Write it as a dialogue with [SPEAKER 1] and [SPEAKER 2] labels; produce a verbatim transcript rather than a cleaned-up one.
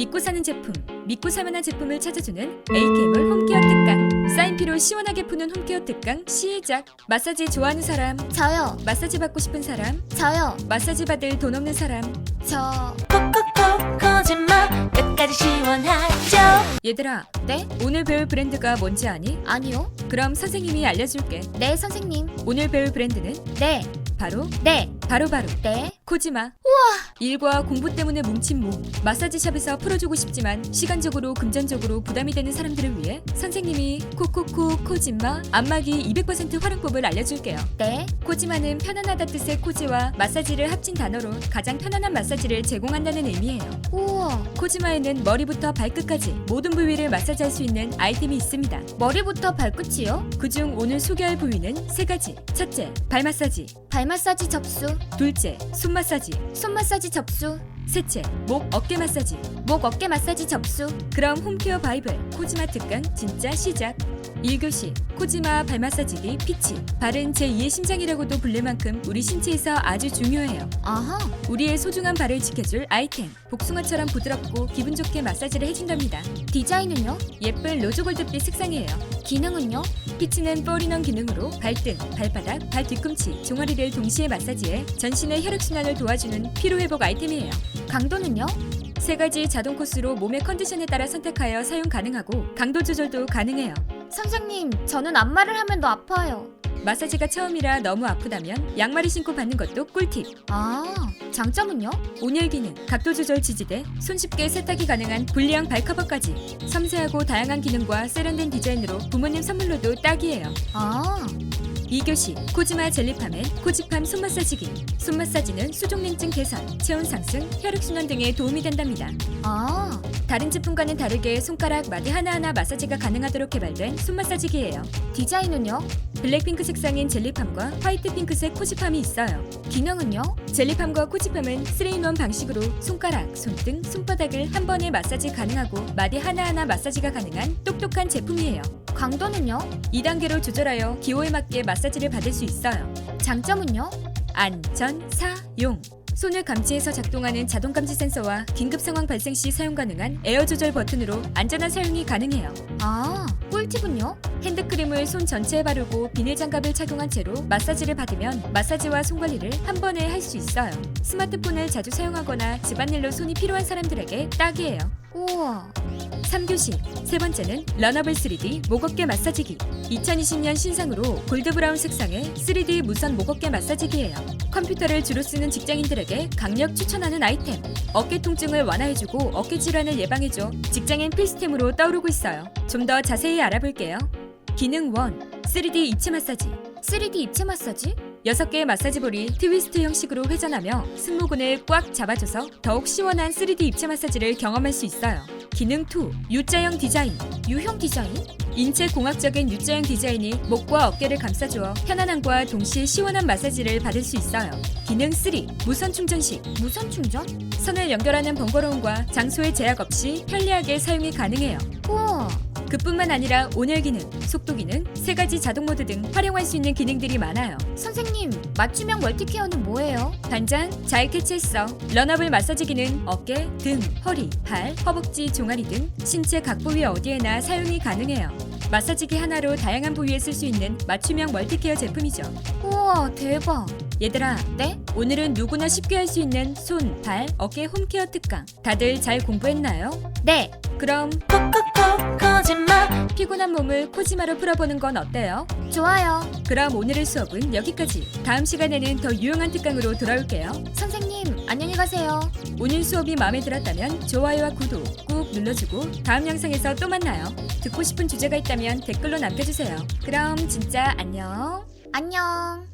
[SPEAKER 1] 믿고 사는 제품, 믿고 사만한 제품을 찾아주는 에이케이몰 홈케어 특강. 쌓인 피로 시원하게 푸는 홈케어 특강 시작. 마사지 좋아하는 사람,
[SPEAKER 2] 저요.
[SPEAKER 1] 마사지 받고 싶은 사람,
[SPEAKER 2] 저요.
[SPEAKER 1] 마사지 받을 돈 없는 사람.
[SPEAKER 2] 저.
[SPEAKER 3] 콕콕콕 거짓말 끝까지 시원하죠.
[SPEAKER 1] 얘들아,
[SPEAKER 2] 네?
[SPEAKER 1] 오늘 배울 브랜드가 뭔지 아니?
[SPEAKER 2] 아니요.
[SPEAKER 1] 그럼 선생님이 알려줄게.
[SPEAKER 2] 네, 선생님.
[SPEAKER 1] 오늘 배울 브랜드는
[SPEAKER 2] 네.
[SPEAKER 1] 바로
[SPEAKER 2] 네.
[SPEAKER 1] 바로바로
[SPEAKER 2] 네.
[SPEAKER 1] 코지마. 우와. 일과 공부 때문에 뭉친 몸, 마사지샵에서 풀어주고 싶지만 시간적으로 금전적으로 부담이 되는 사람들을 위해 선생님이 코코코 코지마 안마기 이백 퍼센트 활용법을 알려줄게요.
[SPEAKER 2] 네.
[SPEAKER 1] 코지마는 편안하다 뜻의 코지와 마사지를 합친 단어로 가장 편안한 마사지를 제공한다는 의미예요.
[SPEAKER 2] 우와.
[SPEAKER 1] 코지마에는 머리부터 발끝까지 모든 부위를 마사지할 수 있는 아이템이 있습니다.
[SPEAKER 2] 머리부터 발끝이요?
[SPEAKER 1] 그중 오늘 소개할 부위는 세 가지. 첫째, 발 마사지.
[SPEAKER 2] 발 마사지 접수.
[SPEAKER 1] 둘째, 손 마사지.
[SPEAKER 2] 손 마사지 접수.
[SPEAKER 1] 셋째, 목 어깨 마사지.
[SPEAKER 2] 목 어깨 마사지 접수.
[SPEAKER 1] 그럼 홈케어 바이블 코지마 특강 진짜 시작. 일 교시 코지마 발 마사지기 피치. 발은 제이의 심장이라고도 불릴 만큼 우리 신체에서 아주 중요해요.
[SPEAKER 2] 아하.
[SPEAKER 1] 우리의 소중한 발을 지켜줄 아이템. 복숭아처럼 부드럽고 기분 좋게 마사지를 해준답니다.
[SPEAKER 2] 디자인은요?
[SPEAKER 1] 예쁜 로즈골드빛 색상이에요.
[SPEAKER 2] 기능은요?
[SPEAKER 1] 피치는 포리넌 기능으로 발등, 발바닥, 발 뒤꿈치, 종아리를 동시에 마사지해 전신의 혈액순환을 도와주는 피로회복 아이템이에요.
[SPEAKER 2] 강도는요?
[SPEAKER 1] 세 가지 자동 코스로 몸의 컨디션에 따라 선택하여 사용 가능하고 강도 조절도 가능해요.
[SPEAKER 2] 선생님, 저는 안마를 하면 더 아파요.
[SPEAKER 1] 마사지가 처음이라 너무 아프다면 양말을 신고 받는 것도 꿀팁.
[SPEAKER 2] 아, 장점은요?
[SPEAKER 1] 온열 기능, 각도 조절 지지대, 손쉽게 세탁이 가능한 불리형 발커버까지. 섬세하고 다양한 기능과 세련된 디자인으로 부모님 선물로도 딱이에요.
[SPEAKER 2] 아,
[SPEAKER 1] 이 교시 코지마 젤리팜엔 코지팜 손마사지기. 손마사지는 수족냉증 개선, 체온 상승, 혈액순환 등에 도움이 된답니다.
[SPEAKER 2] 아,
[SPEAKER 1] 다른 제품과는 다르게 손가락 마디 하나하나 마사지가 가능하도록 개발된 손마사지기예요.
[SPEAKER 2] 디자인은요?
[SPEAKER 1] 블랙핑크 색상인 젤리팜과 화이트 핑크색 코지팜이 있어요.
[SPEAKER 2] 기능은요?
[SPEAKER 1] 젤리팜과 코지팜은 쓰리인원 방식으로 손가락, 손등, 손바닥을 한 번에 마사지 가능하고 마디 하나하나 마사지가 가능한 똑똑한 제품이에요.
[SPEAKER 2] 강도는요?
[SPEAKER 1] 이 단계로 조절하여 기호에 맞게 마사지를 받을 수 있어요.
[SPEAKER 2] 장점은요?
[SPEAKER 1] 안전, 사용. 손을 감지해서 작동하는 자동 감지 센서와 긴급 상황 발생 시 사용 가능한 에어 조절 버튼으로 안전한 사용이 가능해요.
[SPEAKER 2] 아, 꿀팁은요?
[SPEAKER 1] 핸드크림을 손 전체에 바르고 비닐 장갑을 착용한 채로 마사지를 받으면 마사지와 손 관리를 한 번에 할 수 있어요. 스마트폰을 자주 사용하거나 집안일로 손이 필요한 사람들에게 딱이에요.
[SPEAKER 2] 우와.
[SPEAKER 1] 삼 교시 세 번째는 러너블 쓰리디 목어깨 마사지기. 이천이십 년 신상으로 골드브라운 색상의 쓰리디 무선 목어깨 마사지기예요. 컴퓨터를 주로 쓰는 직장인들에게 강력 추천하는 아이템. 어깨 통증을 완화해주고 어깨 질환을 예방해줘 직장인 필수템으로 떠오르고 있어요. 좀 더 자세히 알아볼게요. 기능 일, 쓰리디 입체 마사지.
[SPEAKER 2] 쓰리디 입체 마사지?
[SPEAKER 1] 여섯 개의 마사지볼이 트위스트 형식으로 회전하며 승모근을 꽉 잡아줘서 더욱 시원한 쓰리디 입체 마사지를 경험할 수 있어요. 기능 이, U자형 디자인.
[SPEAKER 2] 유형 디자인?
[SPEAKER 1] 인체 공학적인 U자형 디자인이 목과 어깨를 감싸주어 편안함과 동시에 시원한 마사지를 받을 수 있어요. 기능 삼, 무선 충전식.
[SPEAKER 2] 무선 충전?
[SPEAKER 1] 선을 연결하는 번거로움과 장소의 제약 없이 편리하게 사용이 가능해요.
[SPEAKER 2] 우와.
[SPEAKER 1] 그뿐만 아니라 온열 기능, 속도 기능, 세 가지 자동 모드 등 활용할 수 있는 기능들이 많아요.
[SPEAKER 2] 선생님, 맞춤형 멀티케어는 뭐예요?
[SPEAKER 1] 단장 잘 캐치했어. 러너블 마사지기는 어깨, 등, 허리, 발, 허벅지, 종아리 등 신체 각 부위 어디에나 사용이 가능해요. 마사지기 하나로 다양한 부위에 쓸 수 있는 맞춤형 멀티케어 제품이죠.
[SPEAKER 2] 우와, 대박.
[SPEAKER 1] 얘들아,
[SPEAKER 2] 네?
[SPEAKER 1] 오늘은 누구나 쉽게 할 수 있는 손, 발, 어깨 홈케어 특강. 다들 잘 공부했나요?
[SPEAKER 2] 네.
[SPEAKER 1] 그럼
[SPEAKER 3] 콕콕콕 거짓말
[SPEAKER 1] 피곤한 몸을 코지마로 풀어보는 건 어때요?
[SPEAKER 2] 좋아요.
[SPEAKER 1] 그럼 오늘의 수업은 여기까지. 다음 시간에는 더 유용한 특강으로 돌아올게요.
[SPEAKER 2] 선생님, 안녕히 가세요.
[SPEAKER 1] 오늘 수업이 마음에 들었다면 좋아요와 구독 꾹 눌러주고 다음 영상에서 또 만나요. 듣고 싶은 주제가 있다면 댓글로 남겨주세요. 그럼 진짜 안녕.
[SPEAKER 2] 안녕.